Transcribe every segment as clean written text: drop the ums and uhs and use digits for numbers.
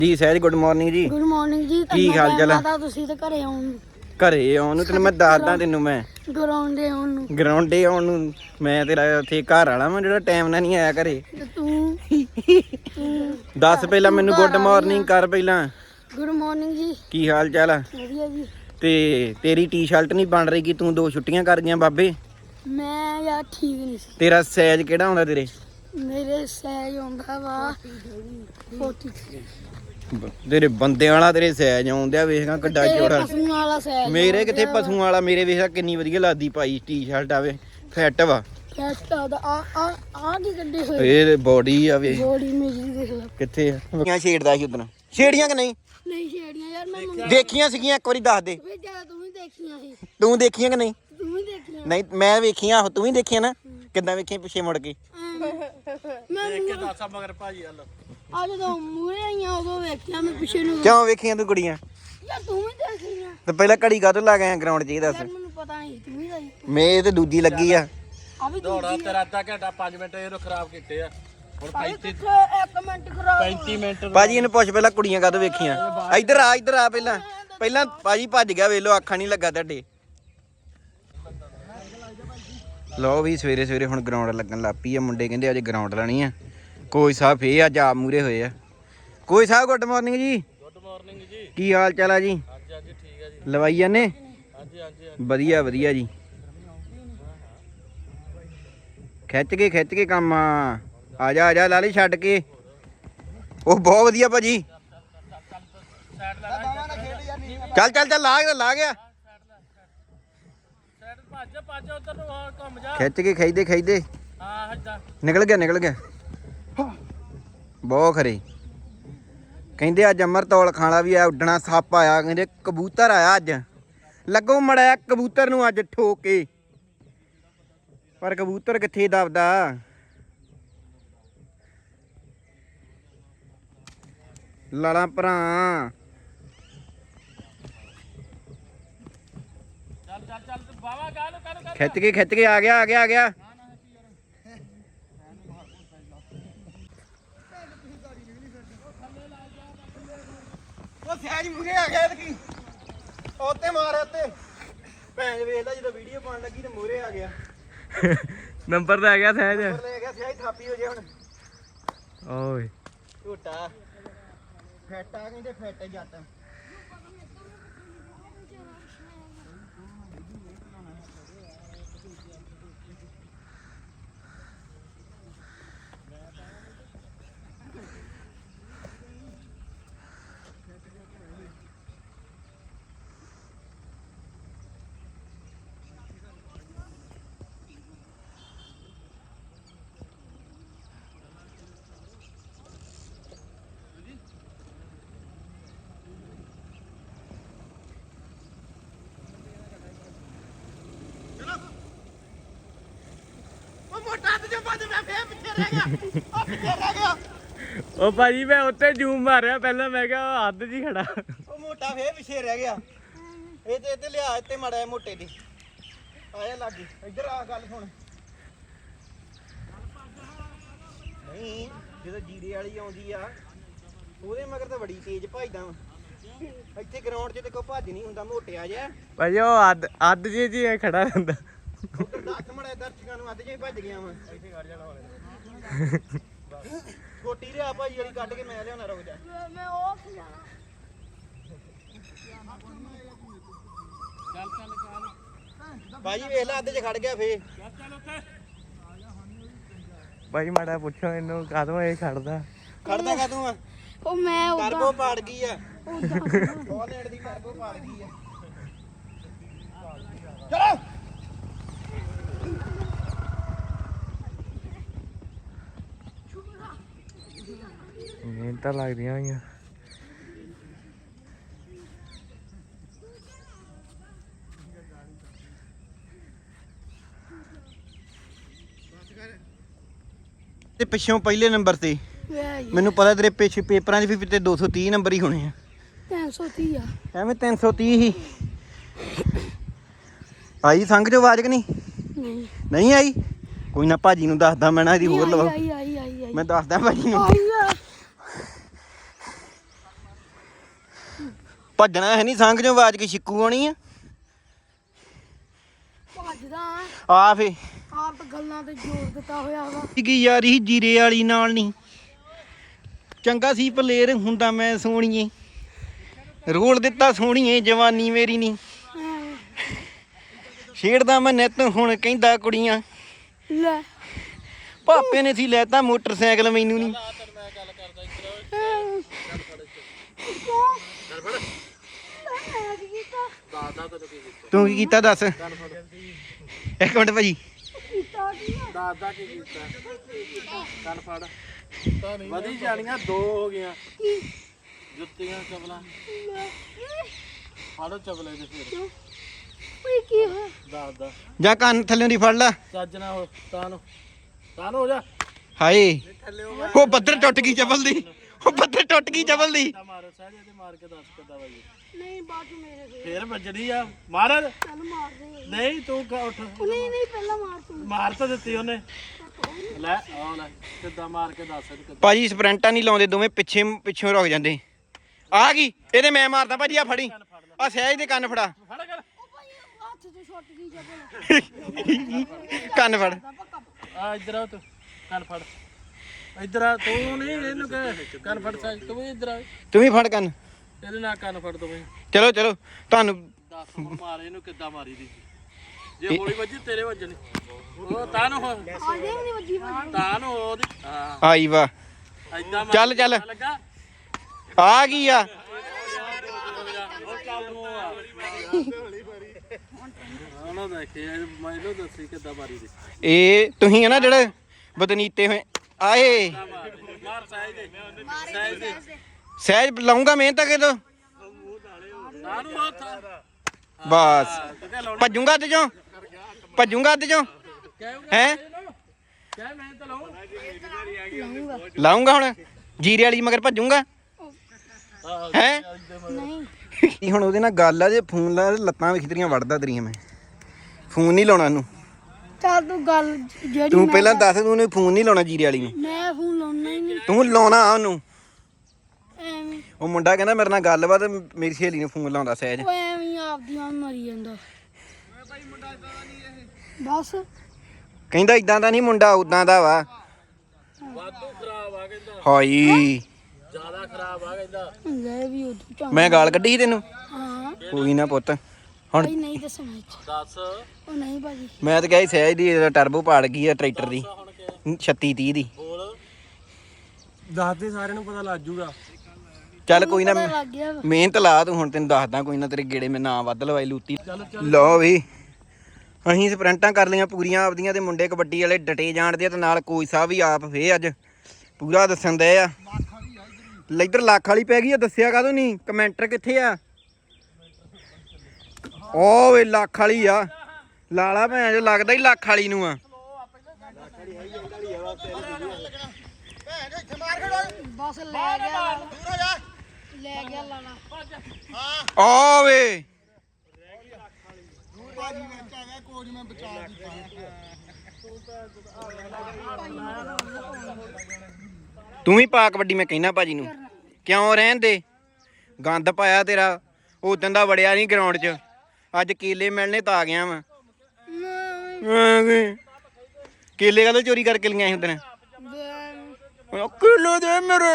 ਜੀ Sahaj good morning ਜੀ। Good morning ਜੀ। ਕੀ ਹਾਲ ਚਾਲ ਆ? ਤੁਸੀਂ ਤਾਂ ਘਰੇ ਆਉਣ ਘਰੇ ਆਉਣ ਨੂੰ ਤੈਨੂੰ ਮੈਂ ਦੱਸਦਾ, ਤੈਨੂੰ ਮੈਂ ਗਰਾਉਂਡੇ ਆਉਣ ਨੂੰ ਗਰਾਉਂਡੇ ਆਉਣ ਨੂੰ ਮੈਂ ਤੇਰਾ ਉੱਥੇ ਘਰ ਵਾਲਾ ਮੈਂ ਜਿਹੜਾ ਟਾਈਮ ਨਾਲ ਨਹੀਂ ਆਇਆ ਘਰੇ। ਤੇ ਤੂੰ ਦੱਸ ਪਹਿਲਾਂ ਮੈਨੂੰ ਗੁੱਡ ਮਾਰਨਿੰਗ ਕਰ ਪਹਿਲਾਂ। ਗੁੱਡ ਮਾਰਨਿੰਗ ਜੀ। ਕੀ ਹਾਲ ਚਾਲ ਆ? ਵਧੀਆ ਜੀ। ਤੇ ਤੇਰੀ ਟੀ-ਸ਼ਰਟ ਨਹੀਂ ਬਣ ਰਹੀ ਕਿ ਤੂੰ 2 ਛੁੱਟੀਆਂ ਕਰ ਗਈਆਂ ਬਾਬੇ। ਮੈਂ ਯਾਰ ਠੀਕ ਨਹੀਂ ਸੀ। ਤੇਰਾ ਸਾਈਜ਼ ਕਿਹੜਾ ਹੁੰਦਾ ਤੇਰੇ? ਮੇਰੇ ਸਾਈਜ਼ ਆਉਂਦਾ ਵਾ 43। ਤੇਰੇ ਬੰਦੇ ਵਾਲਾ ਤੇਰੇ ਸਾਈਜ਼ ਆਉਂਦਿਆ, ਵੇਖਾਂ ਕਿੱਡਾ ਚੌੜਾ। ਪਸ਼ੂਆਂ ਵਾਲਾ ਸਾਈਜ਼ ਮੇਰੇ ਕਿੱਥੇ ਪਸ਼ੂਆਂ ਵਾਲਾ, ਮੇਰੇ ਵੇਖਾ ਕਿੰਨੀ ਵਧੀਆ ਲੱਗਦੀ ਪਾਈ ਟੀ-ਸ਼ਰਟ ਆਵੇ, ਫਿੱਟ ਵਾ। ਫੈਟ ਆਉਂਦਾ ਆ ਕੀ ਕੱਢੇ ਹੋਏ ਇਹ ਬੋਡੀ ਆਵੇ ਬੋਡੀ ਮੇਰੀ ਦੇਖ ਲੈ ਕਿੱਥੇ ਆ। ਛੇੜਦਾ ਸੀ ਉਦੋਂ, ਛੇੜੀਆਂ ਕਿ ਨਹੀਂ? ਨਹੀਂ ਛੇੜੀਆਂ ਯਾਰ ਮੈਂ ਦੇਖੀਆਂ ਸੀਗੀਆਂ ਇੱਕ ਵਾਰੀ ਦੱਸ ਦੇ। ਵੇ ਜਿਆਦਾ ਤੂੰ ਵੀ ਦੇਖੀਆਂ ਸੀ। ਤੂੰ ਦੇਖੀਆਂ ਕਿ ਨਹੀਂ? ਤੂੰ ਵੀ ਦੇਖੀਆਂ। ਨਹੀਂ ਮੈਂ ਵੇਖੀਆਂ, ਤੂੰ ਵੀ ਦੇਖੀਆਂ ਨਾ? ਕਿੱਦਾਂ ਵੇਖੀਆਂ ਪਿੱਛੇ ਮੁੜ ਕੇ? ਮੈਂ ਦੇਖ ਕੇ ਦੱਸਾਂ ਮਗਰ ਭਾਜੀ ਹਲ ਆ ਜਦੋਂ ਮੂਹਰੇ ਆਈਆਂ ਉਦੋਂ ਵੇਖਿਆ ਮੈਂ ਪਿੱਛੇ ਨੂੰ। ਕਿਉਂ ਵੇਖੀਆਂ ਤੂੰ ਕੁੜੀਆਂ? ਯਾਰ ਤੂੰ ਵੀ ਦੇਖੀਆਂ ਤੇ ਪਹਿਲਾਂ ਘੜੀ ਕਾਹਤੋਂ ਲਾ ਗਿਆ ਗਰਾਊਂਡ 'ਚ ਇਹ ਦੱਸ। ਯਾਰ ਮੈਨੂੰ ਪਤਾ ਨਹੀਂ ਤੂੰ ਵੀ ਆਈ ਮੈਂ ਤੇ ਦੂਜੀ ਲੱਗੀ ਆ। ਆ ਵੀ ਦੌੜਾ ਤੇਰਾ ਅੱਧਾ ਘੰਟਾ 5 ਮਿੰਟ ਇਹਨੂੰ ਖਰਾਬ ਕੀਤੇ ਆ। ਹੁਣ 1 ਮਿੰਟ ਖਰਾਬ 35 ਮਿੰਟ ਭਾਜੀ ਇਹਨੂੰ ਪੁੱਛ ਪਹਿਲਾਂ ਕੁੜੀਆਂ ਕਾਹਤੋਂ ਵੇਖੀਆਂ? ਇੱਧਰ ਆ ਪਹਿਲਾਂ ਭਾਜੀ ਭੱਜ ਗਿਆ, ਵੇਖ ਲੋ ਅੱਖਾਂ ਨਹੀਂ ਲੱਗਾ ਤੁਹਾਡੇ। ਲਓ ਵੀ ਸਵੇਰੇ ਸਵੇਰੇ ਹੁਣ ਗਰਾਊਂਡ ਲੱਗਣ ਲੱਗ ਪਈ ਆ। ਮੁੰਡੇ ਕਹਿੰਦੇ ਅੱਜ ਗਰਾਊਂਡ ਲਾਣੀ ਆ। ਕੋਈ ਸਾਹਿਬ ਫੇਰ ਅੱਜ ਆਪ ਮੂਰੇ ਹੋਏ ਆ। ਕੋਈ ਸਾਹਿਬ ਗੁੱਡ ਮਾਰਨਿੰਗ ਜੀ। ਗੁੱਡ ਮਾਰਨਿੰਗ ਜੀ। ਕੀ ਹਾਲ ਚਾਲ ਆ ਜੀ? ਹਾਂਜੀ ਹਾਂਜੀ ਠੀਕ ਹੈ ਜੀ। ਲਵਾਈ ਜਾਂਦੇ? ਹਾਂਜੀ ਹਾਂਜੀ ਵਧੀਆ ਵਧੀਆ ਜੀ। ਖਿੱਚ ਕੇ ਕੰਮ ਆ ਜਾ ਲਾਲੀ ਛੱਡ ਕੇ। ਉਹ ਬਹੁਤ ਵਧੀਆ ਭਾਜੀ। ਚੱਲ ਲਾ ਗਿਆ। ਭੱਜ ਉਧਰ ਨੂੰ ਹੋਰ ਘੁੰਮ ਜਾ। ਖਿੱਚ ਕੇ ਖਿੱਚਦੇ ਹਾਂ ਹੱਦਾ ਨਿਕਲ ਗਿਆ। ਬਹੁਤ ਖਰੇ ਕਹਿੰਦੇ ਅੱਜ ਅਮਰਤੌਲ ਖਾਣਾ ਵੀ ਆ। ਉੱਡਣਾ ਸੱਪ ਆਇਆ, ਕਹਿੰਦੇ ਕਬੂਤਰ ਆਇਆ ਅੱਜ। ਲੱਗੋ ਮੜਿਆ ਕਬੂਤਰ ਨੂੰ ਅੱਜ ਠੋਕ ਕੇ, ਪਰ ਕਬੂਤਰ ਕਿੱਥੇ ਦਬਦਾ। ਲਾਲਾ ਭਰਾ ਚੱਲ ਬਾਵਾ ਗਾਲ ਕਰ ਖਿੱਚ ਕੇ ਆ ਗਿਆ। ਉਹ ਸਹਿਜ ਮੂਰੇ ਆ ਗਿਆ ਕੀ ਉੱਤੇ ਮਾਰ ਉੱਤੇ ਭੈਣ ਵੇਖਦਾ ਜਦੋਂ ਵੀਡੀਓ ਪਾਉਣ ਲੱਗੀ ਤੇ ਮੂਰੇ ਆ ਗਿਆ। ਨੰਬਰ ਤਾਂ ਆ ਗਿਆ ਸਹਿਜ। ਲੈ ਗਿਆ ਸਹਿਜ ਥਾਪੀ ਹੋ ਜੇ ਹੁਣ। ਓਏ ਝੂਟਾ ਫੈਟ ਆ ਕਹਿੰਦੇ ਫੈਟ ਜੱਟ। ਉਹ ਭਾਜੀ ਮੈਂ ਉੱਤੇ ਜੂਮ ਮਾਰਿਆ ਪਹਿਲਾਂ, ਮੈਂ ਕਿਹਾ ਹੱਦ ਜੀ ਖੜਾ। ਉਹ ਮੋਟਾ ਫੇਰ ਪਿੱਛੇ ਰਹਿ ਗਿਆ। ਇਹ ਤੇ ਇੱਥੇ ਲਿਆ, ਇੱਥੇ ਮੜਾ ਮੋਟੇ ਦੀ ਆਇਆ ਲੱਗੀ। ਇੱਧਰ ਆ ਗੱਲ ਸੁਣ। ਨਹੀਂ ਜਦੋਂ ਜੀਰੇ ਵਾਲੀ ਆਉਂਦੀ ਆ ਉਹਦੇ ਮਗਰ ਤਾਂ ਬੜੀ ਤੇਜ਼ ਭੱਜਦਾ ਵਾ। ਇੱਥੇ ਗਰਾਊਂਡ 'ਚ ਤੇ ਕੋਈ ਭੱਜ ਨਹੀਂ ਹੁੰਦਾ, ਮੋਟਿਆ ਜਿਹਾ। ਭਾਜੀ ਉਹ ਅੱਧ ਜੀ ਖੜਾ ਰਹਿੰਦਾ। ਉੱਧਰ ਦੱਸ ਮੜਾ ਦਰਸ਼ਕਾਂ ਨੂੰ ਅੱਜ ਜੇ ਭੱਜ ਗਿਆ ਵਾ। ਇੱਥੇ ਖੜ ਜਾਣਾ ਹੋਵੇ ਛੋਟੀ ਰਿਆ ਭਾਜੀ ਵਾਲੀ ਕੱਢ ਕੇ ਮੈਂ ਲਿਆਉਣਾ। ਰੁਕ ਜਾ ਮੈਂ ਉਹ ਖਿਲਾਣਾ। ਭਾਜੀ ਵੇਖ ਲੈ ਅੱਧੇ 'ਚ ਖੜ ਗਿਆ ਫੇਰ। ਭਾਜੀ ਮਾੜਾ ਪੁੱਛੋ ਇਹਨੂੰ ਕਾਹਦੋਂ ਇਹ ਖੜਦਾ ਕਾਹਤੋਂ ਆ? ਉਹ ਮੈਂ ਟਰਬੋ ਪਾੜ ਗਈ ਆ। ਬੋਲੇਟ ਦੀ ਟਰਬੋ ਪਾੜ ਗਈ ਆ। ਚਲੋ ਮਿਹਨਤਾਂ ਲੱਗਦੀਆਂ ਹੋਈਆਂ। ਤੇ ਪਿੱਛੋਂ ਪਹਿਲੇ ਨੰਬਰ ਤੇ ਮੈਨੂੰ ਪਤਾ ਤੇਰੇ ਪਿੱਛੇ ਪੇਪਰਾਂ 'ਚ ਵੀ ਤੇ 230 ਨੰਬਰ ਹੀ ਹੋਣੇ ਆ। 330 ਆ। ਐਵੇਂ 330 ਹੀ ਆਈ ਸੰਗ ਚੋਂ ਆਵਾਜ਼ ਕਿ ਨਹੀਂ? ਨਹੀਂ ਆਈ। ਕੋਈ ਨਾ ਭਾਜੀ ਨੂੰ ਦੱਸਦਾ ਮੈਂ ਨਾ ਇਹਦੀ ਹੋਰ ਲਵਾ। ਆਈ ਮੈਂ ਦੱਸਦਾ ਭਾਜੀ ਨੂੰ। ਭੱਜਣਾ ਹੈ ਨਹੀਂ, ਸੰਗ ਚੋਂ ਆਵਾਜ਼ ਕੀ ਛਿੱਕੂ ਆਉਣੀ ਆ। ਭੱਜਦਾ ਆ ਫੇ ਆਪ ਗੱਲਾਂ ਤੇ ਜ਼ੋਰ ਦਿੱਤਾ ਹੋਇਆ ਵਾ। ਕੀ ਯਾਰੀ ਜੀਰੇ ਵਾਲੀ ਨਾਲ ਨਹੀਂ ਚੰਗਾ ਸੀ ਪਲੇਰ ਹੁੰਦਾ ਮੈਂ ਸੋਹਣੀਏ, ਰੋਲ ਦਿੱਤਾ ਸੋਹਣੀਏ ਜਵਾਨੀ ਮੇਰੀ ਨਹੀਂ ਐਵੇਂ। ਛੇੜਦਾ ਮੈਂ ਨਿੱਤ ਹੁਣ ਕਹਿੰਦਾ ਕੁੜੀਆਂ, ਲੈ ਪਾਪੇ ਨੇ ਸੀ ਲੈਤਾ ਮੋਟਰਸਾਈਕਲ ਮੈਨੂੰ ਨਹੀਂ। ਤੂੰ ਕੀ ਕੀਤਾ ਦੱਸ? ਇੱਕ ਮਿੰਟ ਭਾਜੀ। ਦਾਦਾ ਕੀ ਕੀਤਾ? ਕੰਨ ਫੜ। ਵਧੀ ਜਾਣੀਆਂ 2 ਹੋ ਗਈਆਂ ਜੁੱਤੀਆਂ ਚਪਲਾਂ। ਫੜੋ ਚਪਲੇ ਦੇ ਫਿਰ ਓਏ ਕੀ ਹੈ? ਦਾਦਾ ਜਾਂ ਕੰਨ ਥੱਲੇ ਦੀ ਫੜ ਲਾ। ਚੱਜ ਨਾ ਹੋ ਤਾਂ ਹੋ ਜਾ। ਹਾਏ ਉਹ ਬੱਦਰ ਟੁੱਟ ਗਈ ਚਪਲ ਦੀ, ਉਹ ਬੱਦਰ ਟੁੱਟ ਗਈ ਚਪਲ ਦੀ। ਮਾਰੋ ਸਾਜੇ ਤੇ ਮਾਰ ਕੇ ਦੱਸ ਕਿੱਦਾਂ ਵਜੀ। ਨਹੀਂ ਬਾਅਦ ਮੇਰੇ ਫੇਰ ਵੱਜਣੀ ਆ। ਮਾਰ। ਚੱਲ ਮਾਰ ਦੇ। ਨਹੀਂ ਤੂੰ ਉੱਠ। ਨਹੀਂ ਪਹਿਲਾਂ ਮਾਰ ਤੂੰ। ਮਾਰ ਤਾਂ ਦਿੱਤੀ ਉਹਨੇ। ਲੈ ਆ ਲੈ ਕਿੱਦਾਂ ਮਾਰ ਕੇ ਦੱਸ ਇਹਨੂੰ ਕਿੱਦਾਂ। ਭਾਜੀ ਸਪਰੈਂਟਾਂ ਨਹੀਂ ਲਾਉਂਦੇ, ਦੋਵੇਂ ਪਿੱਛੋਂ ਰੁਕ ਜਾਂਦੇ। ਆ ਗਈ ਇਹਦੇ, ਮੈਂ ਮਾਰਦਾ ਭਾਜੀ। ਆ ਫੜੀ ਆ ਸਹਿਜ ਦੇ ਕੰਨ ਫੜਾ। ਫੜ ਕਰ। ਉਹ ਭਾਈ ਹੱਥ ਤੋਂ ਛੁੱਟ ਗਈ ਜਬਲ। ਕੰਨ ਫੜ। ਆ ਇੱਧਰ ਆ ਤੂੰ ਕੰਨ ਫੜ। ਇੱਧਰ ਆ ਤੂੰ ਨਹੀਂ ਇਹਨੂੰ ਕਹਿ ਕੰਨ ਫੜ ਸਾਜ। ਤੂੰ ਵੀ ਇੱਧਰ ਆ। ਤੂੰ ਵੀ ਫੜ ਕੰਨ। ਇਹਦੇ ਨਾਲ ਕੰਨ ਫੜ ਤੂੰ ਵੀ। ਚਲੋ ਚਲੋ ਤੁਹਾਨੂੰ ਦੱਸ ਮਾਰ ਇਹਨੂੰ ਕਿੱਦਾਂ ਮਾਰੀ ਦੀ। ਜੇ ਗੋਲੀ ਵੱਜੀ ਤੇਰੇ ਵੱਜਣੀ। ਉਹ ਤਾਂ ਨੂੰ ਆ ਦੇ ਨਹੀਂ ਵੱਜੀ ਭਾਈ। ਤਾਂ ਨੂੰ ਉਹਦੀ। ਹਾਂ ਆਈ ਵਾ। ਐਦਾਂ ਚੱਲ ਚੱਲ ਲੱਗਾ। ਆ ਗਈ ਆ। ਉਹ ਚੱਲ ਨੂੰ ਆ। ਉਹਨੂੰ ਦੇਖੇ ਮੈਨੂੰ ਦੱਸੀ ਕਿੱਦਾਂ ਮਾਰੀ ਦੀ। ਇਹ ਤੁਸੀਂ ਹੈ ਨਾ ਜਿਹੜੇ ਬਦਨੀਤੇ ਹੋਏ ਆਏ। ਮਾਰ ਸਾਜ ਦੇ। ਸਾਜ ਦੇ। ਸਹਿਜ ਲਾਉਂਗਾ ਮਿਹਨਤ ਕੇ ਤੋ ਤਾਂ ਨੂੰ ਹੱਥ। ਬਸ ਭੱਜੂਗਾ ਅੱਜ ਚੋਂ, ਭੱਜੂਗਾ ਅੱਜ ਚੋਂ ਹੈ। ਕਹਿ ਮੈਂ ਤਾਂ ਲਾਉਂ। ਲਾਉਂਗਾ ਹੁਣ ਜੀਰੇ ਵਾਲੀ ਮਗਰ ਭੱਜੂਗਾ ਹੈ। ਨਹੀਂ ਹੁਣ ਉਹਦੇ ਨਾਲ ਗੱਲ ਆ, ਜੇ ਫੋਨ ਲਾ ਲੱਤਾਂ ਵੇਖ ਤੇਰੀਆਂ ਵੜਦਾ ਤੇਰੀਆਂ। ਮੈਂ ਫੋਨ ਨਹੀਂ ਲਾਉਣਾ ਉਹਨੂੰ। ਚੱਲ ਤੂੰ ਗੱਲ ਜਿਹੜੀ ਤੂੰ ਪਹਿਲਾਂ ਦੱਸ, ਤੂੰ ਉਹਨੂੰ ਫੋਨ ਨਹੀਂ ਲਾਉਣਾ ਜੀਰੇ ਵਾਲੀ ਨੂੰ। ਮੈਂ ਫੋਨ ਲਾਉਣਾ ਹੀ ਨਹੀਂ ਤੂੰ ਲਾਉਣਾ ਉਹਨੂੰ। ਐਵੇਂ। ਉਹ ਮੁੰਡਾ ਕਹਿੰਦਾ ਮੇਰੇ ਨਾਲ ਗੱਲ ਵਾ ਤੇ ਮੇਰੀ ਸਹੇਲੀ ਨੂੰ ਫੋਨ ਲਾਉਂਦਾ ਸਹਿਜ। ਉਹ ਐਵੇਂ ਆਪਦੀਆਂ ਮਰੀ ਜਾਂਦਾ ਬਸ। ਕਹਿੰਦਾ ਇਦਾਂ ਦਾ ਨਹੀਂ ਮੁੰਡਾ, ਉਦਾਂ ਦਾ ਵਾ। ਵਾਧੂ ਖਰਾਬ ਆ ਕਹਿੰਦਾ। ਹਾਈ ਜ਼ਿਆਦਾ ਖਰਾਬ ਆ ਕਹਿੰਦਾ। ਲੈ ਵੀ ਉਦੋਂ ਚੰਗਾ। ਮੈਂ ਗਾਲ ਕੱਢੀ ਸੀ ਤੈਨੂੰ। ਹਾਂ ਕੋਈ ਨਾ ਪੁੱਤ ਹੁਣ। ਭਾਈ ਨਹੀਂ ਦੱਸਣਾ ਇਹ 'ਚ। ਦੱਸ ਉਹ ਨਹੀਂ ਭਾਜੀ। ਮੈਂ ਤਾਂ ਕਿਹਾ ਸੀ ਸਹਿਜ ਦੀ ਟਰਬੋ ਪਾੜ ਗਈ ਆ ਟਰੈਕਟਰ ਦੀ ਹੁਣ ਕਿ 36 30 ਦੀ। ਬੋਲ। ਦੱਸ ਦੇ ਸਾਰਿਆਂ ਨੂੰ ਪਤਾ ਲੱਗ ਜੂਗਾ। ਚੱਲ ਕੋਈ ਨਾ ਪਤਾ ਲੱਗ ਗਿਆ ਵਾ। ਮਿਹਨਤ ਲਾ ਤੂੰ। ਹੁਣ ਤੈਨੂੰ ਦੱਸਦਾ ਕੋਈ ਨਾ, ਤੇਰੇ ਗੇੜੇ ਮੈਂ ਨਾ ਵੱਧ ਲਵਾਈ ਲੂਤੀ। ਲਓ ਵੀ ਅਸੀਂ ਸਪ੍ਰਿੰਟਾਂ ਕਰ ਲਈਆਂ ਪੂਰੀਆਂ ਆਪਦੀਆਂ, ਤੇ ਮੁੰਡੇ ਕਬੱਡੀ ਵਾਲੇ ਡਟੇ ਜਾਣਦੇ ਆ, ਤੇ ਨਾਲ ਕੋਚ ਸਾਹਿਬ ਵੀ ਆਪ ਫੇ ਅੱਜ ਪੂਰਾ ਦੱਸਣ ਦੇ ਆ। ਇੱਧਰ ਲੱਖ ਵਾਲੀ ਪੈ ਗਈ ਆ, ਦੱਸਿਆ ਕਾਹਦੋਂ ਨਹੀਂ? ਕਮੈਂਟਰ ਕਿੱਥੇ ਆ? ਓ ਵੇ ਲੱਖ ਵਾਲੀ ਆ। ਲਾਲਾ ਭੈਣ ਜੋ ਲੱਗਦਾ ਹੀ ਲੱਖ ਵਾਲੀ ਨੂੰ ਆ। ਬਸ ਲੈ ਗਿਆ ਲੈ ਗਿਆ ਲਾਲਾ। ਓ ਵੇ ਤੂੰ ਵੀ ਪਾ ਕਬੱਡੀ। ਮੈਂ ਕਹਿਣਾ ਭਾਜੀ ਨੂੰ ਕਿਉਂ ਰਹਿਣ ਦੇ, ਗੰਦ ਪਾਇਆ ਤੇਰਾ। ਉਦੋਂ ਦਾ ਵੜਿਆ ਨਹੀਂ ਗਰਾਊਂਡ 'ਚ, ਅੱਜ ਕੇਲੇ ਮਿਲਣੇ ਤਾਂ ਆ ਗਿਆ ਵਾ। ਕੇਲੇ ਕਦੋਂ ਚੋਰੀ ਕਰਕੇ ਲਿਆ ਸੀ ਉਦੋਂ? ਕੇਲੇ ਦੇ ਮੇਰੇ।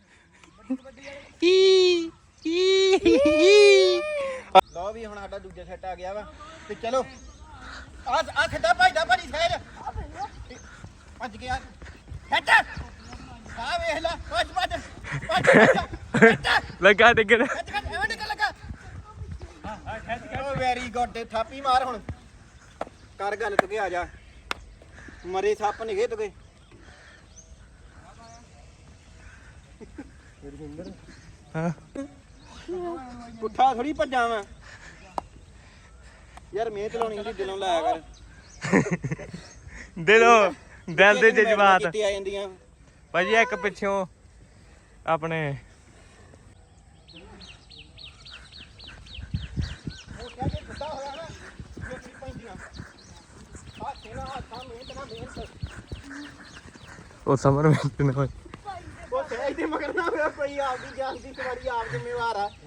ਲਓ ਵੀ ਹੁਣ ਸਾਡਾ ਦੂਜਾ ਸੈੱਟ ਆ ਗਿਆ ਵਾ, ਤੇ ਚਲੋ ਆ ਖੱਡਾ ਭੱਜਦਾ ਭਾਜੀ ਸਹਿਜ ਭੱਜ ਗਿਆ ਸੈੱਟ। ਆ ਵੇਖ ਲੈ ਭੱਜ ਭੱਜ ਭੱਜ ਲੱਗਾ ਡਿੱਗਣ। ਐਵੇਂ ਨਿਕਲ ਲੱਗਾ। ਓ ਵੈਰੀ ਗੁੱਡ। ਥਾਪੀ ਮਾਰ ਹੁਣ। ਕਰ ਗੱਲ ਤੁਕੇ ਆ ਜਾ। ਮਰੇ ਸੱਪ ਨਿਗੇ ਤੁਕੇ। ਹਾਂ ਪੁੱਠਾ ਥੋੜੀ ਭੱਜਾਂ ਵਾ ਯਾਰ। ਮਿਹਨਤ ਲਾਉਣੀ ਹੁੰਦੀ, ਦਿਲੋਂ ਲਾਇਆ ਕਰ। ਦਿਲ ਦੇ ਜਜ਼ਬਾਤ ਕਿੱਥੇ ਆ ਜਾਂਦੀਆਂ ਭਾਜੀ। ਇੱਕ ਪਿੱਛੋਂ ਆਪਣੇ ਉਹ ਸਮਰ ਵਿੱਚ ਨਾ ਹੋਏ। ਉਹ ਸਹਿਜ ਦੇ ਮਗਰ ਨਾ ਹੋਇਆ ਕੋਈ ਆ ਆਪਦੀ ਜਾਨ ਦੀ ਸਵਾਰੀ ਆਪ ਜ਼ਿੰਮੇਵਾਰ ਆ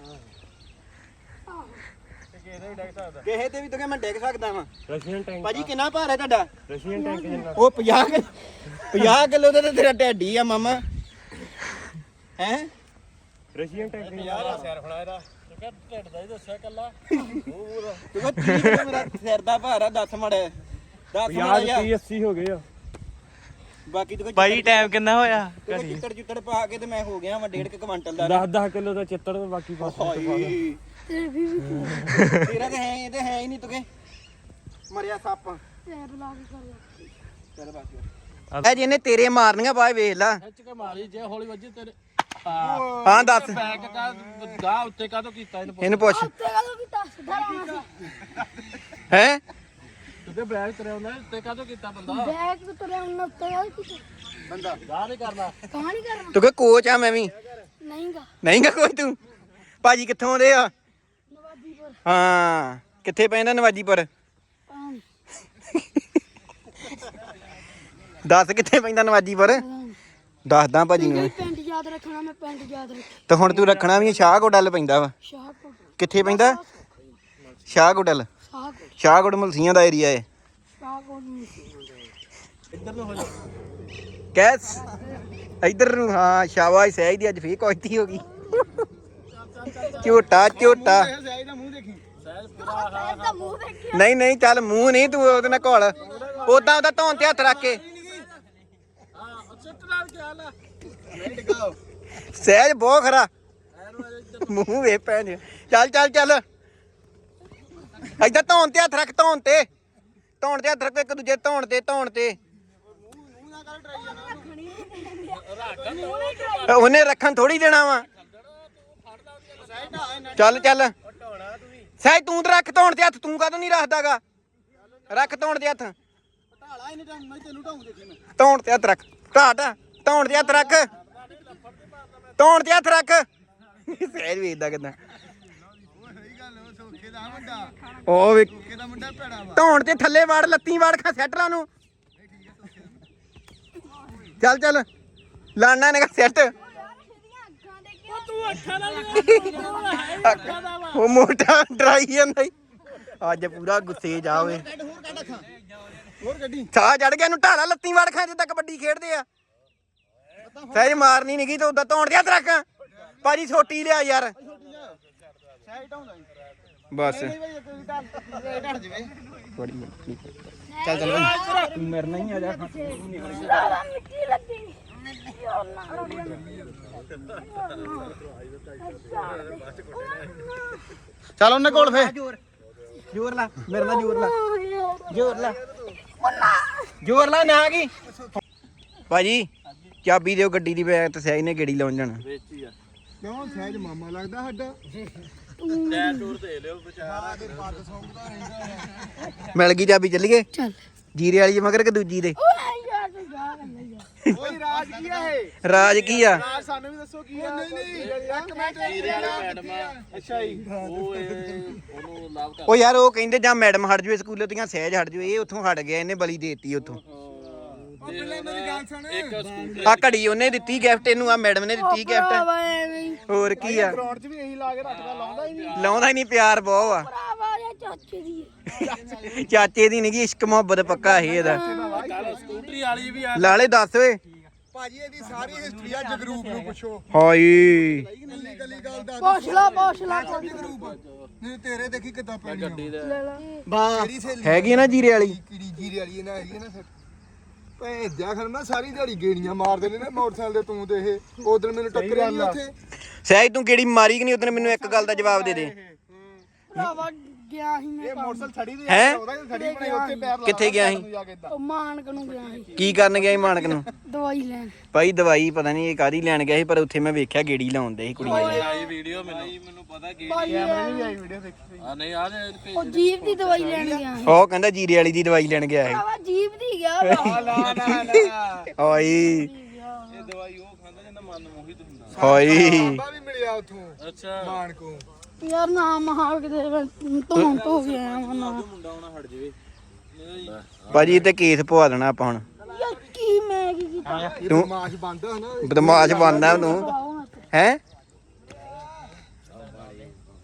ਕਿਸੇ ਤੇ ਵੀ ਤੁਕੇ ਮੈਂ ਡਿੱਗ ਸਕਦਾ ਵਾਂ ਰਸ਼ੀਅਨ ਟੈਂਕ ਭਾਜੀ ਕਿੰਨਾ ਭਾਰ ਹੈ ਤੁਹਾਡਾ ਰਸ਼ੀਅਨ ਟੈਂਕ ਜਿੰਨਾ ਉਹ 50 ਕਿਲੋ ਦਾ ਤੇ ਤੇਰਾ ਢੱਡੀ ਆ ਮਾਮਾ ਹੈ ਰਸ਼ੀਅਨ ਟੈਂਕ ਜਿੰਨਾ ਸਿਰ ਫੜਾ ਇਹਦਾ ਢਿੱਡ ਦਾ ਹੀ ਦੱਸਿਆ ਕੱਲਾ ਤੂੰ 30 ਕਿਲੋ ਮੇਰਾ ਸਿਰ ਦਾ ਭਾਰ ਆ 10 ਮੜ 10 ਮੜ 80 ਹੋ ਗਏ ਆ ਬਾਕੀ ਤੂੰ ਭਾਈ ਟਾਈਮ ਕਿੰਨਾ ਹੋਇਆ ਚਿੱਤੜ ਪਾ ਕੇ ਤੇ ਮੈਂ ਹੋ ਗਿਆ ਵਾ 1.5 ਕੁਇੰਟਲ ਦਾ 10 ਕਿਲੋ ਦਾ ਚਿੱਤੜ ਤੇ ਬਾਕੀ ਹਾਏ ਤੇ ਵੀ ਤੇਰਾ ਤੇ ਹੈ ਇਹ ਤੇ ਹੈ ਹੀ ਨਹੀਂ ਤੁਕੇ ਮਰਿਆ ਸੱਪ ਪੈਰ ਲਾ ਕੇ ਕਰ ਲਾ ਚੱਲ ਬਾਕੀ ਇਹ ਜਿਹਨੇ ਤੇਰੇ ਮਾਰਨੀਆਂ ਬਾਏ ਵੇਖ ਲੈ ਖਿੱਚ ਕੇ ਮਾਰੀ ਜੇ ਹੌਲੀ ਵੱਜੀ ਤੇਰੇ ਹਾਂ ਦੱਸ ਬੈਕ ਕਾ ਗਾ ਉੱਤੇ ਕਾਹਤੋਂ ਕੀਤਾ ਇਹਨੂੰ ਪੁੱਛ ਉੱਤੇ ਕਦੋਂ ਕੀਤਾ ਸਿੱਧਾ ਲਾਉਣਾ ਸੀ ਹੈ ਤੇ ਬੈਕ ਤੇਰੇ ਹੁੰਦਾ ਉੱਤੇ ਕਾਹਤੋਂ ਕੀਤਾ ਬੰਦਾ ਬੈਗ ਤੋਂ ਤੁਰਿਆ ਉਹਨਾਂ ਉੱਤੇ ਕਦੋਂ ਕੀਤਾ ਬੰਦਾ ਗਾ ਨਹੀਂ ਕਰਨਾ ਕਹਾਣੀ ਕਰਨਾ ਤੂੰ ਕਿ ਕੋਚ ਆ ਮੈਂ ਵੀ ਨਹੀਂਗਾ ਨਹੀਂਗਾ ਕੋਈ ਤੂੰ ਭਾਜੀ ਕਿੱਥੋਂ ਆਉਂਦੇ ਆ ਨਵਾਜੀਪੁਰ ਹਾਂ ਕਿੱਥੇ ਪੈਂਦਾ ਨਵਾਜੀਪੁਰ ਦੱਸ ਕਿੱਥੇ ਪੈਂਦਾ ਨਵਾਜੀਪੁਰ ਦੱਸਦਾ ਭਾਜੀ ਨੂੰ ਪਿੰਡ ਯਾਦ ਰੱਖਣਾ ਮੈਂ ਪਿੰਡ ਯਾਦ ਰੱਖੀ ਤੇ ਹੁਣ ਤੂੰ ਰੱਖਣਾ ਵੀ ਸ਼ਾਹਕੋਟਲ ਪੈਂਦਾ ਵਾ ਸ਼ਾਹਕੋਟ ਕਿੱਥੇ ਪੈਂਦਾ ਸ਼ਾਹਕੋਟਲ ਸ਼ਾਹਕੋਟ ਸ਼ਾਹਕੋਟ ਮਲਸੀਆਂ ਦਾ ਏਰੀਆ ਹੈ ਸ਼ਾਹਕੋਟ ਨੂੰ ਇੱਧਰ ਨੂੰ ਹੋ ਜਾ ਕੈਸ ਇੱਧਰ ਨੂੰ ਹਾਂ ਸ਼ਾਬਾਸ਼ ਸਹਿਜ ਦੀ ਅੱਜ ਫੇਰ ਕੋਇਤੀ ਹੋ ਗਈ ਝੋਟਾ ਝੋਟਾ ਸਹਿਜ ਦਾ ਮੂੰਹ ਦੇਖਿਆ ਨਹੀਂ ਨਹੀਂ ਚੱਲ ਮੂੰਹ ਨਹੀਂ ਤੂੰ ਉਹਦੇ ਨਾਲ ਘੋਲ ਉਦਾਂ ਉਹਦਾ ਧੌਣ ਤੇ ਹੱਥ ਰੱਖ ਕੇ ਚਿੱਟ ਨਾਲ ਕੀ ਹਾਲ ਆ ਸਹਿਜ ਬਹੁਤ ਖਰਾ ਮੂੰਹ ਵੇ ਭੈਣ ਚੱਲ ਚੱਲ ਚੱਲ ਏਦਾਂ ਧੌਣ ਤੇ ਹੱਥ ਰੱਖ ਧੌਣ ਤੇ ਹੱਥ ਰੱਖ ਇੱਕ ਦੂਜੇ ਧੌਣ ਤੇ ਉਹਨੇ ਰੱਖਣ ਥੋੜੀ ਦੇਣਾ ਵਾ ਚੱਲ ਚੱਲ ਸਹਿਜ ਤੂੰ ਤੇ ਰੱਖ ਧੌਣ ਤੇ ਹੱਥ ਤੂੰ ਕਾਹਤੋਂ ਨਹੀਂ ਰੱਖਦਾਗਾ ਰੱਖ ਧੌਣ ਤੇ ਹੱਥ ਧੌਣ ਤੇ ਹੱਥ ਰੱਖ ਧੌਣ ਤੇ ਹੱਥ ਰੱਖ ਸਹਿਜ ਵੇਖਦਾ ਕਿਦਾਂ ਉਹ ਵੇ ਧੌਣ ਤੇ ਥੱਲੇ ਵੜ ਲੱਤੀ ਵੜ ਖਾ ਸੈਟਰਾਂ ਨੂੰ ਚੱਲ ਚੱਲ ਲਾਣਾ ਨੇ ਸੈੱਟ ਤੂੰ ਅੱਖਾਂ ਨਾਲ ਉਹ ਮੋਟਾ ਡਰਾਈ ਜਾਂਦਾ ਈ। ਅੱਜ ਪੂਰਾ ਗੁੱਸੇ ਜਾ ਓਏ ਹੋਰ ਗੱਡੀ ਸਾਹ ਚੜ ਗਿਆ ਇਹਨੂੰ ਢਾਲਾ ਲੱਤੀ ਵੜ ਖਾਂ ਜਿੱਦਾਂ ਕਬੱਡੀ ਖੇਡਦੇ ਆ ਸਹਿਜ ਮਾਰਨੀ ਨਹੀਂ ਗਈ ਤੇ ਉਦਾਂ ਧੌਣ ਦੇ ਹੱਥ ਰੱਖ ਭਾਜੀ ਛੋਟੀ ਲਿਆ ਯਾਰ ਬਸ ਚੱਲ ਚੱਲ ਤੂੰ ਮੇਰੇ ਨਾਲ ਹੀ ਆ ਜਾ ਮਿੱਟੀ ਲੱਗੀ ਚੱਲ ਉਹਨੇ ਕੋਲ ਫੇ ਜ਼ੋਰ ਲਾ ਮੇਰੇ ਨਾਲ ਜ਼ੋਰ ਲਾ ਨਾ ਕੀ ਭਾਜੀ ਚਾਬੀ ਦਿਓ ਗੱਡੀ ਦੀ ਬੈਗ ਤੇ ਸਹਿਜ ਨੇ ਗੇੜੀ ਲਾਉਣ ਜਾਣਾ ਵੇਚੀ ਆ ਕਿਉਂ ਸਹਿਜ ਮਾਮਾ ਲੱਗਦਾ ਸਾਡਾ ਟਾਇਰ ਟੂਰ ਦੇ ਲਿਓ ਵਿਚਾਰਾ ਮਿਲ ਗਈ ਚਾਬੀ ਚੱਲੀਏ ਚੱਲ ਜੀਰੇ ਵਾਲੀ ਮਗਰ ਕਿ ਦੂਜੀ ਦੇ ਓਏ ਯਾਰ ਤੂੰ ਜਾ ਕਰਨਾ ਯਾਰ ਓਏ ਰਾਜ ਕੀ ਆ ਇਹ ਰਾਜ ਕੀ ਆ ਰਾਜ ਸਾਨੂੰ ਵੀ ਦੱਸੋ ਕੀ ਆ ਨਹੀਂ ਇੱਕ ਮਿੰਟ ਵੀਰੇ ਵਾਲਾ ਮੈਡਮ ਆ ਅੱਛਾ ਜੀ ਉਹ ਉਹਨੂੰ ਲਾਭ ਕਰ ਉਹ ਯਾਰ ਉਹ ਕਹਿੰਦੇ ਜਾਂ ਮੈਡਮ ਹਟ ਜੂਏ ਸਕੂਲੋਂ ਦੀਆਂ ਸਹਿਜ ਹਟ ਜੂਏ ਇਹ ਉੱਥੋਂ ਹਟ ਗਿਆ ਇਹਨੇ ਬਲੀ ਦੇਤੀ ਉੱਥੋਂ ਪਹਿਲਾਂ ਮੇਰੀ ਗੱਲ ਸੁਣ ਇੱਕ ਸਕੂਟਰ ਆ ਘੜੀ ਉਹਨੇ ਦਿੱਤੀ ਗਿਫਟ ਇਹਨੂੰ ਆ ਮੈਡਮ ਨੇ ਦਿੱਤੀ ਗਿਫਟ ਭਰਾਵਾ ਐਵੇਂ ਹੀ ਹੋਰ ਕੀ ਆ ਗਰਾਊਂਡ 'ਚ ਵੀ ਇਹੀ ਲਾ ਕੇ ਰੱਖਦਾ ਲਾਉਂਦਾ ਹੀ ਨਹੀਂ ਲਾਉਂਦਾ ਹੀ ਨਹੀਂ ਪਿਆਰ ਬਹੁਤ ਆ ਭਰਾਵਾ ਇਹ ਚਾਚੇ ਦੀ ਹੈ। ਚਾਚੇ ਦੀ ਨੀ ਇਸ਼ਕ ਮੁਹੱਬਤ ਪੱਕਾ ਇਹ ਇਹਦਾ ਕੱਲ ਸਕੂਟਰੀ ਵਾਲੀ ਵੀ ਆ ਲਾਲੇ ਦੱਸ ਓਏ ਭਾਜੀ ਇਹਦੀ ਸਾਰੀ ਹਿਸਟਰੀ ਆ ਜਗਰੂਪ ਨੂੰ ਪੁੱਛੋ ਹਾਏ ਕੱਲੀ ਕੱਲੀ ਗੱਲ ਦੱਸ ਪੁੱਛ ਲਾ ਜਗਰੂਪ ਨਹੀਂ ਤੇਰੇ ਦੇਖੀ ਕਿੱਦਾਂ ਪੈਣੀ ਆ ਗੱਡੀ ਦਾ ਲੈ ਲਾ ਬਾ ਤੇਰੀ ਸਹੇਲੀ ਹੈਗੀ ਨਾ ਜੀਰੇ ਵਾਲੀ ਕੀੜੀ ਜੀਰੇ ਵਾਲੀ ਇਹਨਾਂ ਹੈਗੀ ਨਾ ਭੇਜਿਆ ਖਰ ਮੈਂ ਸਾਰੀ ਦਿਹਾੜੀ ਗੇੜੀਆਂ ਮਾਰਦੇ ਨੇ ਨਾ ਮੋਟਰਸਾਈਕਲ ਦੇ ਤੂੰ ਤੇ ਇਹ ਉਦੋਂ ਮੈਨੂੰ ਟੱਕਰਿਆ ਨਹੀਂ ਉੱਥੇ ਸਹਿਜ ਤੂੰ ਕਿਹੜੀ ਮਾਰੀ ਕਿ ਨਹੀਂ ਉਦੋਂ ਮੈਨੂੰ ਇੱਕ ਗੱਲ ਦਾ ਜਵਾਬ ਦੇ ਦੇ ਭਰਾਵਾ ਗਿਆ ਸੀ ਮੈਂ ਇਹ ਮੋਟਰਸਾਈਕਲ ਛੜੀ ਦੇ ਹੈਂ? ਉਹਦਾ ਛੜੀ ਬਣਾਈ ਉੱਥੇ ਪੈਰ ਲਾ ਕਿੱਥੇ ਗਿਆ ਸੀ ਉਹ ਮਾਨਕ ਨੂੰ ਗਿਆ ਸੀ ਕੀ ਕਰਨ ਗਿਆ ਸੀ ਮਾਨਕ ਨੂੰ ਦਵਾਈ ਲੈਣ ਭਾਈ ਦਵਾਈ ਪਤਾ ਨਹੀਂ ਇਹ ਕਾਦੀ ਲੈਣ ਗਿਆ ਸੀ ਪਰ ਉੱਥੇ ਮੈਂ ਵੇਖਿਆ ਗੇੜੀ ਲਾਉਂਦੇ ਸੀ ਕੁੜੀਆਂ ਦੀ ਆਈ ਵੀਡੀਓ ਮੈਨੂੰ ਪਤਾ ਕੀ ਭਾਈ ਆਈ ਵੀਡੀਓ ਦੇਖੀ ਆ ਨਹੀਂ ਆ ਉਹ ਜੀਪ ਦੀ ਦਵਾਈ ਲੈਣ ਗਿਆ ਸੀ ਉਹ ਕਹਿੰਦਾ ਜੀਰੇ ਵਾਲੀ ਦੀ ਦਵਾਈ ਲੈਣ ਗਿਆ ਸੀ ਭਰਾਵਾ ਜੀਪ ਦੀ ਗਿਆ ਵਾ ਨਾ ਓਏ ਇਹ ਦਵਾਈ ਉਹ ਖਾਂਦਾ ਜਿਹਦਾ ਮਨ ਮੋਹਿਤ ਹੁੰਦਾ ਓਏ ਬਾਬਾ ਵੀ ਮਿਲਿਆ ਉੱਥੋਂ ਅੱਛਾ ਮਾਨ ਕੋ ਯਾਰ ਨਾ ਮਹਾਲ ਕਿਤੇ ਧੋਣ ਧੋ ਗਿਆ ਵਾ ਨਾ ਮੁੰਡਾ ਆਉਣਾ ਹਟ ਜਾਵੇ ਭਾਜੀ ਇਹ ਤੇ ਕੇਸ ਪਵਾ ਦੇਣਾ ਆਪਾਂ ਹੁਣ ਯਾਰ ਕੀ ਮੈਂ ਕੀ ਕੀਤਾ ਤੂੰ ਮਾਸ਼ ਬੰਦ ਹੈ ਨਾ ਬਦਮਾਸ਼ ਬਣਦਾ ਤੂੰ ਆਓ ਨਾ ਤੇ। ਹੈ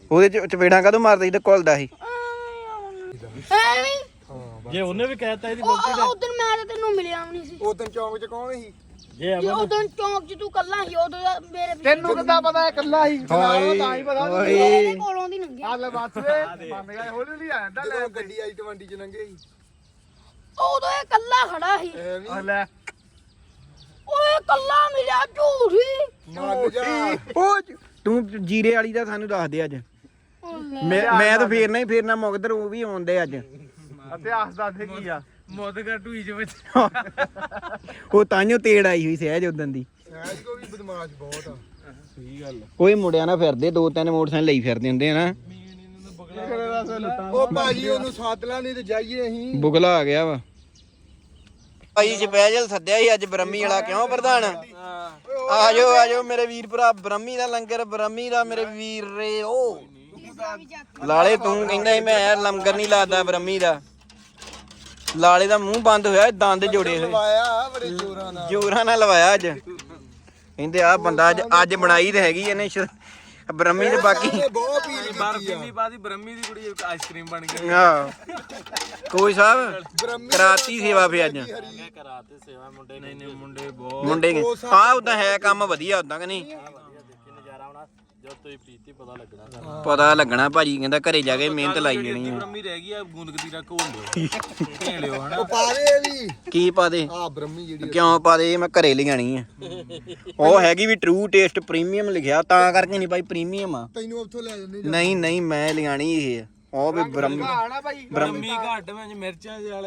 ਉਹਦੇ ਚ ਚਪੇੜਾਂ ਕਾਹਦੋਂ ਮਾਰਦਾ ਸੀ ਤੇ ਘੁਲਦਾ ਸੀ ਐਵੇਂ ਜੇ ਉਹਨੇ ਵੀ ਕਹਿਤਾ ਇਹਦੀ ਉਦੋਂ ਮੈਂ ਤਾਂ ਤੈਨੂੰ ਮਿਲਿਆ ਵੀ ਨਹੀਂ ਸੀ ਉਹ ਦਿਨ ਚੌਂਕ 'ਚ ਕੌਣ ਸੀ ਜੇ ਜੇ ਉਦੋਂ ਚੌਂਕ 'ਚ ਤੂੰ ਕੱਲਾ ਸੀ ਉਦੋਂ ਦਾ ਮੇਰੇ ਤੈਨੂੰ ਕਿੱਦਾਂ ਪਤਾ ਇਕੱਲਾ ਸੀ ਤਾਂ ਹੀ ਪਤਾ ਮੇਰੇ ਕੋਲੋਂ ਦੀ ਲੰਘਿਆ ਆ ਲੈ ਬੱਸ ਵੇ ਬੰਦ ਗਿਆ ਹੌਲੀ ਹੌਲੀ ਆ ਜਾਂਦਾ ਲੈ ਗੱਡੀ ਆਈ 20 'ਚ ਲੰਘੇ ਸੀ ਉਦੋਂ ਇਹ ਕੱਲਾ ਖੜਾ ਸੀ ਐਵੇਂ ਲੈ ਓਏ ਕੱਲਾ ਮਿਲਿਆ ਝੂਠੀ ਮੰਨ ਜਾ ਉਹ ਤੂੰ ਜੀਰੇ ਵਾਲੀ ਦਾ ਸਾਨੂੰ ਦੱਸ ਦੇ ਅੱਜ ਮੈਂ ਤਾਂ ਫੇਰਨਾ ਹੀ ਫੇਰਨਾ ਮੁਕਦਰ ਉਹ ਵੀ ਆਉਂਦੇ ਅੱਜ ਇਤਿਹਾਸ ਦੱਸ ਦੇ ਕੀ ਆ ਮੋਦਗਰ ਢੂਈ ਚ ਵਿੱਚ ਉਹ ਤਾਂਿਓ ਤੇੜ ਆਈ ਹੋਈ ਸਹਿਜ ਉਦੋਂ ਦੀ ਸਹਿਜ ਕੋ ਵੀ ਬਦਮਾਸ਼ ਬਹੁਤ ਆ ਸਹੀ ਗੱਲ ਕੋਈ ਮੁੰਡਿਆਂ ਨਾਲ ਫਿਰਦੇ 2-3 ਮੋਟਰਸਾਈਕਲ ਲਈ ਫਿਰਦੇ ਹੁੰਦੇ ਆ ਨਾ ਉਹ ਭਾਜੀ ਉਹਨੂੰ ਸਾਥ ਲਾ ਨਹੀਂ ਤੇ ਜਾਈਏ ਅਸੀਂ ਬੁਗਲਾ ਆ ਗਿਆ ਵਾ ਭਾਈ ਸਪੈਸ਼ਲ ਸੱਦਿਆ ਸੀ ਅੱਜ ਬ੍ਰਹਮੀ ਵਾਲਾ ਕਿਉਂ ਪ੍ਰਧਾਨ ਆਜੋ ਮੇਰੇ ਵੀਰ ਭਰਾ ਬ੍ਰਹਮੀ ਦਾ ਲੰਗਰ ਬ੍ਰਹਮੀ ਦਾ ਮੇਰੇ ਵੀਰ ਰੇ ਉਹ ਲਾਲੇ ਤੂੰ ਕਹਿੰਦਾ ਸੀ ਮੈਂ ਲੰਗਰ ਨਹੀਂ ਲਾਦਾ ਬ੍ਰਹਮੀ ਦਾ ਲਾਲੇ ਦਾ ਮੂੰਹ ਬੰਦ ਹੋਇਆ ਦੰਦ ਜੋੜੇ ਹੋਏ ਲਵਾਇਆ ਬੜੇ ਜ਼ੋਰਾਂ ਨਾਲ ਲਵਾਇਆ ਅੱਜ ਕਹਿੰਦੇ ਆ ਬੰਦਾ ਅੱਜ ਬਣਾਈ ਤੇ ਹੈਗੀ ਇਹਨੇ ਬ੍ਰਹਮੀ ਦੇ ਬਾਕੀ ਬਹੁਤ ਪੀਲ ਕੀਤੀ ਆ ਬਾਦੀ ਬ੍ਰਹਮੀ ਦੀ ਕੁੜੀ ਆਈਸਕ੍ਰੀਮ ਬਣ ਗਈ ਹਾਂ ਕੋਈ ਸਾਹਿਬ ਕਰਾਤੀ ਸੇਵਾ ਫੇ ਅੱਜ ਕਰਾਤੇ ਸੇਵਾ ਮੁੰਡੇ ਨਹੀਂ ਮੁੰਡੇ ਬਹੁਤ ਮੁੰਡੇ ਆ ਉਦਾਂ ਹੈ ਕੰਮ ਵਧੀਆ ਉਦਾਂ ਕਿ ਨਹੀਂ ਨਜ਼ਾਰਾ ਆਉਣਾ ਜਦ ਤੁਸੀਂ ਪੀਤੀ ਪਤਾ ਲੱਗਣਾ ਭਾਜੀ ਕਹਿੰਦਾ ਘਰੇ ਜਾ ਕੇ ਮਿਹਨਤ ਲਾਈ ਜਾਣੀ ਆ ਬ੍ਰਹਮੀ ਰਹਿ ਗਈ ਆ ਗੂੰਦਕਤੀ ਦਾ ਘੋਲ ਲਿਓ ਢੇੜ ਲਿਓ ਹਨਾ ਉਹ ਪਾ ਦੇ ਵੀ ਕੀ ਪਾ ਦੇ ਆ ਬ੍ਰਹਮੀ ਜਿਹੜੀ ਕਿਉਂ ਪਾ ਦੇ ਮੈਂ ਘਰੇ ਲਿਆਣੀ ਆ ਉਹ ਹੈਗੀ ਵੀ ਟਰੂ ਟੇਸਟ ਪ੍ਰੀਮੀਅਮ ਲਿਖਿਆ ਤਾਂ ਕਰਕੇ ਨਹੀਂ ਭਾਈ ਪ੍ਰੀਮੀਅਮ ਆ ਤੈਨੂੰ ਉੱਥੋਂ ਲੈ ਜੰਨੇ ਨਹੀਂ ਮੈਂ ਲਿਆਣੀ ਇਹ ਉਹ ਵੀ ਬ੍ਰਹਮੀ ਆਣਾ ਭਾਈ ਬ੍ਰਹਮੀ ਘੱਟ ਵਿੱਚ ਮਿਰਚਾਂ ਵਾਲੇ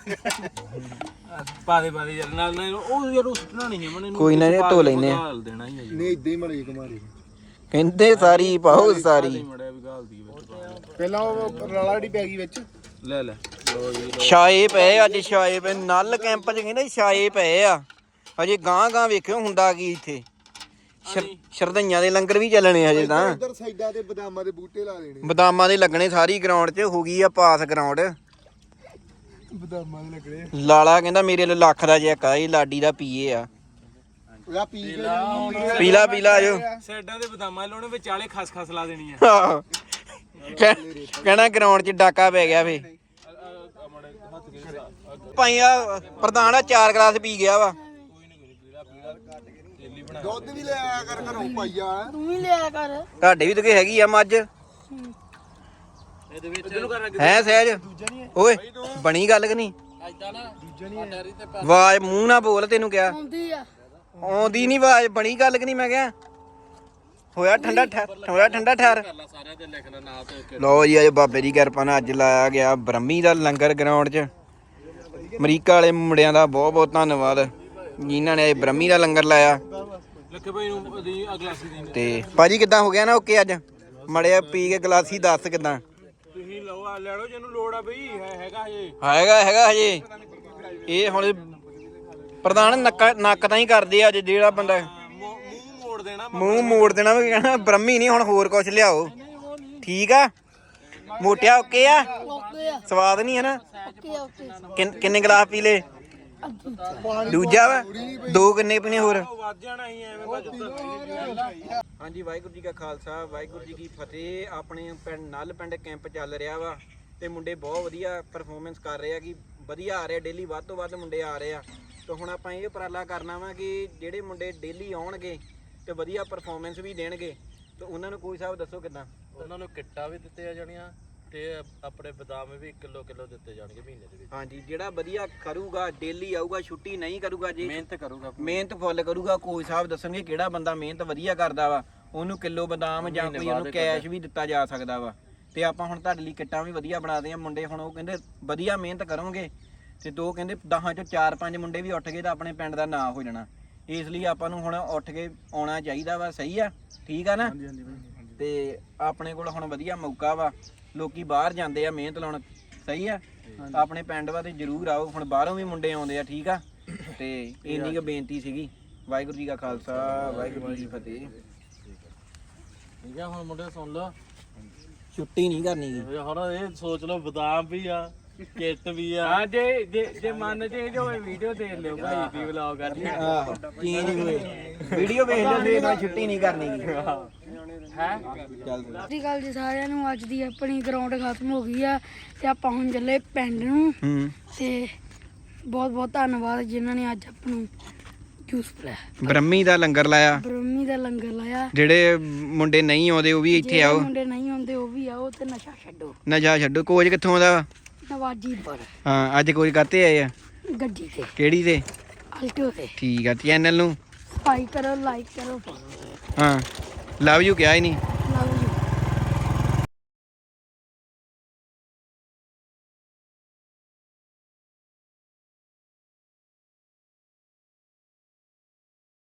ਪਾ ਦੇ ਯਾਰ ਨਾਲ ਉਹ ਯਾਰ ਉਸਟਣਾ ਨਹੀਂ ਹੈ ਮਨੇ ਕੋਈ ਨਾ ਇਹ ਧੋ ਲੈਨੇ ਆ ਗਾਲ ਦੇਣਾ ਹੀ ਹੈ ਨਹੀਂ ਇਦਾਂ ਹੀ ਮੜੀ ਕੁਮਾਰੀ ਕਹਿੰਦੇ ਸਾਰੀ ਪਾਓ ਸਾਰੀ ਮੜਿਆ ਵੀ ਗਾਲ ਦੀ ਵਿੱਚ ਪਹਿਲਾਂ ਉਹ ਰਲਾ ਜਿਹੜੀ ਪੈ ਗਈ ਵਿੱਚ ਲੈ ਲੋ ਜੀ ਛਾਏ ਪਏ ਅੱਜ ਛਾਏ ਪਏ ਨਲ ਕੈਂਪ 'ਚ ਕਹਿੰਦੇ ਛਾਏ ਪਏ ਆ ਅਜੇ ਗਾਂ ਵੇਖਿਓ ਹੁੰਦਾ ਕੀ ਇੱਥੇ ਸ਼ਰਧਈਆਂ ਦੇ ਲੰਗਰ ਵੀ ਚੱਲਣੇ ਹਜੇ ਤਾਂ ਉਧਰ ਸਾਈਡਾਂ ਤੇ ਬਦਾਮਾਂ ਦੇ ਬੂਟੇ ਲਾ ਦੇਣੇ ਬਦਾਮਾਂ ਦੇ ਲੱਗਣੇ ਸਾਰੀ ਗਰਾਊਂਡ 'ਚ ਹੋ ਗਈ ਆ ਪਾਸ ਗਰਾਊਂਡ ਬਦਾਮਾਂ ਦੇ ਲੱਗਣੇ ਲਾਲਾ ਕਹਿੰਦਾ ਮੇਰੇ ਲਈ ਲੱਖ ਦਾ ਚੈੱਕ ਆ ਇਹ ਲਾਡੀ ਦਾ ਪੀਏ ਆ ਉਹ ਪੀ ਕੇ ਪੀਲਾ ਆਜੋ ਸਾਈਡਾਂ ਦੇ ਬਦਾਮਾਂ ਲਾਉਣੇ ਵਿਚਾਲੇ ਖਸ ਲਾ ਦੇਣੀ ਆ ਆਹੋ। ਕਹਿਣਾ ਗਰਾਊਂਡ 'ਚ ਡਾਕਾ ਪੈ ਗਿਆ ਫੇ ਭਾਈ ਆ ਪ੍ਰਧਾਨ ਆ 4 ਗਲਾਸ ਪੀ ਗਿਆ ਵਾ ਦੁੱਧ ਵੀ ਲੈ ਆਇਆ ਕਰ ਘਰੋਂ ਪਾਈਆ ਤੂੰ ਵੀ ਲਿਆ ਕਰ ਤੁਹਾਡੇ ਵੀ ਤਾਂ ਕੋਈ ਹੈਗੀ ਆ ਮੱਝ ਇਹਦੇ ਵਿੱਚ ਇਹਨੂੰ ਕਰਨਾ ਹੈ ਸਹਿਜ ਓਏ ਬਣੀ ਗੱਲ ਕਿ ਨਹੀਂ ਐਦਾਂ ਨਾ ਦੂਜਾ ਨਹੀਂ ਡੈਰੀ ਤੇ ਆਵਾਜ਼ ਮੂੰਹ ਨਾ ਬੋਲ ਤੈਨੂੰ ਕਿਹਾ ਆਉਂਦੀ ਆ ਆਉਂਦੀ ਨਹੀਂ ਆਵਾਜ਼ ਬਣੀ ਗੱਲ ਕਿ ਨਹੀਂ ਮੈਂ ਕਿਹਾ ਹੋਇਆ ਠੰਡਾ ਠਹਿਰ ਕਰ ਲਾ ਸਾਰਿਆਂ ਤੇ ਲਿਖ ਲੈ ਨਾਂ ਤੇ ਲਓ ਜੀ ਅੱਜ ਬਾਬੇ ਦੀ ਕਿਰਪਾ ਨਾਲ ਅੱਜ ਲਾਇਆ ਗਿਆ ਬ੍ਰਹਮੀ ਦਾ ਲੰਗਰ ਗਰਾਊਂਡ 'ਚ ਅਮਰੀਕਾ ਵਾਲੇ ਮੁੰਡਿਆਂ ਦਾ ਬਹੁਤ ਧੰਨਵਾਦ ਜਿਨ੍ਹਾਂ ਨੇ ਬ੍ਰਹਮੀ ਦਾ ਲੰਗਰ ਲਾਇਆ ਲੱਕੇ ਭਾਈ ਨੂੰ ਉਹਦੀ ਅਗਲਾਸੀ ਦੀ ਤੇ ਭਾਜੀ ਕਿੱਦਾਂ ਹੋ ਗਿਆ ਨਾ ਓਕੇ ਅੱਜ ਮੜਿਆ ਪੀ ਕੇ ਗਲਾਸੀ ਦੱਸ ਕਿੱਦਾਂ ਤੁਸੀਂ ਲਓ ਆ ਲੈ ਲਓ ਜਿਹਨੂੰ ਲੋੜ ਆ ਬਈ ਹੈਗਾ ਹਜੇ ਹੈਗਾ ਹਜੇ ਇਹ ਹੁਣ ਪ੍ਰਧਾਨ ਨੱਕ ਤਾਂ ਹੀ ਕਰਦੇ ਆ ਅੱਜ ਜਿਹੜਾ ਬੰਦਾ ਮੂੰਹ ਮੋੜ ਦੇਣਾ ਵੀ ਕਹਿਣਾ ਬ੍ਰਹਮੀ ਨਹੀਂ ਹੁਣ ਹੋਰ ਕੁਝ ਲਿਆਓ ਠੀਕ ਆ ਮੋਟਿਆ ਓਕੇ ਆ ਓਕੇ ਆ ਸਵਾਦ ਨਹੀਂ ਹੈ ਨਾ ਓਕੇ ਕਿੰਨੇ ਗਲਾਸ ਪੀ ਲੇ ਦੂਜਾ ਵਾ 2 ਕਿੰਨੇ ਪੀਣੇ ਹੋਰ ਵੱਧ ਜਾਣਾ ਹੀ ਐਵੇਂ ਹਾਂਜੀ ਵਾਹਿਗੁਰੂ ਜੀ ਕਾ ਖਾਲਸਾ ਵਾਹਿਗੁਰੂ ਜੀ ਕੀ ਫਤਿਹ ਆਪਣੇ ਪਿੰਡ ਨਲ ਪਿੰਡ ਕੈਂਪ ਚੱਲ ਰਿਹਾ ਵਾ ਤੇ ਮੁੰਡੇ ਬਹੁਤ ਵਧੀਆ ਪਰਫਾਰਮੈਂਸ ਕਰ ਰਹੇ ਆ ਕਿ ਵਧੀਆ ਆ ਰਿਹਾ ਡੇਲੀ ਵੱਧ ਤੋਂ ਵੱਧ ਮੁੰਡੇ ਆ ਰਹੇ ਆ ਤੇ ਹੁਣ ਆਪਾਂ ਇਹ ਉਪਰਾਲਾ ਕਰਨਾ ਵਾ ਕਿ ਜਿਹੜੇ ਮੁੰਡੇ ਡੇਲੀ ਆਉਣਗੇ ਤੇ ਵਧੀਆ ਪਰਫਾਰਮੈਂਸ ਵੀ ਦੇਣਗੇ ਤੇ ਉਹਨਾਂ ਨੂੰ ਕੋਈ ਹਿਸਾਬ ਦੱਸੋ ਕਿਦਾਂ ਉਹਨਾਂ ਨੂੰ ਕਿੱਟਾਂ ਵੀ ਦਿੱਤੀਆਂ ਜਾਣੀਆਂ ਤੇ ਆਪਣੇ ਬਦਾਮ ਵੀ ਕਿਲੋ ਦਿੱਤੇ ਜਾਣਗੇ ਮਹੀਨੇ ਦੇ ਵਿੱਚ ਹਾਂਜੀ ਜਿਹੜਾ ਵਧੀਆ ਕਰੂਗਾ ਡੇਲੀ ਆਊਗਾ ਛੁੱਟੀ ਨਹੀਂ ਕਰੂਗਾ ਜੀ ਮਿਹਨਤ ਫੁੱਲ ਕਰੂਗਾ ਕੋਈ ਹਿਸਾਬ ਦੱਸਣਗੇ ਕਿਹੜਾ ਬੰਦਾ ਮਿਹਨਤ ਵਧੀਆ ਕਰਦਾ ਵਾ ਉਹਨੂੰ ਕਿਲੋ ਬਦਾਮ ਜਾਂ ਕੋਈ ਉਹਨੂੰ ਕੈਸ਼ ਵੀ ਦਿੱਤਾ ਜਾ ਸਕਦਾ ਵਾ ਤੇ ਆਪਾਂ ਹੁਣ ਤੁਹਾਡੇ ਲਈ ਕਿੱਟਾਂ ਵੀ ਵਧੀਆ ਬਣਾਦੇ ਆ ਮੁੰਡੇ ਹੁਣ ਉਹ ਕਹਿੰਦੇ ਵਧੀਆ ਮਿਹਨਤ ਕਰੋਗੇ ਤੇ ਦੋ ਕਹਿੰਦੇ 10 ਚੋਂ 4-5 ਮੁੰਡੇ ਵੀ ਉੱਠ ਗਏ ਤਾਂ ਆਪਣੇ ਪਿੰਡ ਦਾ ਨਾਂ ਹੋ ਜਾਣਾ ਇਸ ਲਈ ਆਪਾਂ ਨੂੰ ਹੁਣ ਉੱਠ ਕੇ ਆਉਣਾ ਚਾਹੀਦਾ ਵਾ ਸਹੀ ਆ ਠੀਕ ਆ ਨਾ ਤੇ ਆਪਣੇ ਕੋਲ ਹੁਣ ਵਧੀਆ ਮੌਕਾ ਵਾ ਲੋਕੀ ਬਾਹਰ ਜਾਂਦੇ ਆ ਮਿਹਨਤ ਲਾਉਣ ਸਹੀ ਆ ਆਪਣੇ ਪਿੰਡ ਵਾ ਤੇ ਜ਼ਰੂਰ ਆਓ ਹੁਣ ਬਾਹਰੋਂ ਵੀ ਮੁੰਡੇ ਆਉਂਦੇ ਆ ਠੀਕ ਆ ਤੇ ਇੰਨੀ ਕੁ ਬੇਨਤੀ ਸੀਗੀ ਵਾਹਿਗੁਰੂ ਜੀ ਕਾ ਖਾਲਸਾ ਵਾਹਿਗੁਰੂ ਜੀ ਕੀ ਫਤਿਹ ਠੀਕ ਆ ਹੁਣ ਮੁੰਡੇ ਸੁਣ ਲਓ ਛੁੱਟੀ ਨਹੀਂ ਕਰਨੀ ਗੀ ਹੁਣ ਇਹ ਸੋਚ ਲਓ ਬਦਾਮ ਵੀ ਆ ਕਿੱਟ ਵੀ ਆ ਹਾਂ ਜੇ ਮਨ ਚੇਂਜ ਹੋਵੇ ਵੀਡੀਓ ਦੇਖ ਲਿਓ ਭਾਈ ਦੀ ਵਲੌਗ ਕਰਨੀ ਆਹੋ ਚੇਂਜ ਹੋਏ ਵੀਡੀਓ ਵੇਖ ਲਿਓ ਤੇ ਛੁੱਟੀ ਨਹੀਂ ਕਰਨੀ ਗੀ ਸਤਿ ਗੱਲ ਜੀ ਸਾਰਿਆਂ ਨੂੰ। ਅੱਜ ਦੀ ਆਪਣੀ ਗਰਾਊਂਡ ਖਤਮ ਹੋ ਗਈ ਆ ਤੇ ਆਪਾਂ ਹੁਣ ਚੱਲੇ ਪਿੰਡ ਨੂੰ। ਤੇ ਬਹੁਤ ਬਹੁਤ ਧੰਨਵਾਦ ਜਿਨ੍ਹਾਂ ਨੇ ਅੱਜ ਆਪਾਂ ਨੂੰ ਜੂਸ ਪਿਲਾਇਆ, ਬ੍ਰਹਮੀ ਦਾ ਲੰਗਰ ਲਾਇਆ, ਬ੍ਰਹਮੀ ਦਾ ਲੰਗਰ ਲਾਇਆ। ਜਿਹੜੇ ਮੁੰਡੇ ਨਹੀਂ ਆਉਂਦੇ ਉਹ ਵੀ ਇੱਥੇ ਆਓ, ਮੁੰਡੇ ਨਹੀਂ ਆਉਂਦੇ ਉਹ ਵੀ ਆਓ ਤੇ ਨਸ਼ਾ ਛੱਡੋ। ਨਸ਼ਾ ਛੱਡੋ। ਕੋਚ ਕਿੱਥੋਂ ਆਉਂਦਾ ਵਾ? ਨਵਾਜੀ ਪਰ ਹਾਂ, ਅੱਜ ਕੋਚ ਕਾਤੇ ਆਏ ਆ? ਗੱਡੀ ਤੇ, ਕਿਹੜੀ ਤੇ? ਆਲਟੋ ਤੇ। ਠੀਕ ਆ, ਚੈਨਲ ਨੂੰ ਸਬਸਕ੍ਰਾਈਬ ਕਰੋ, ਲਾਈਕ ਕਰੋ, ਫੋਲੋ ਕਰੋ। ਹਾਂ, ਲਵ ਯੂ ਕਿਹਾ ਹੀ ਨਹੀਂ।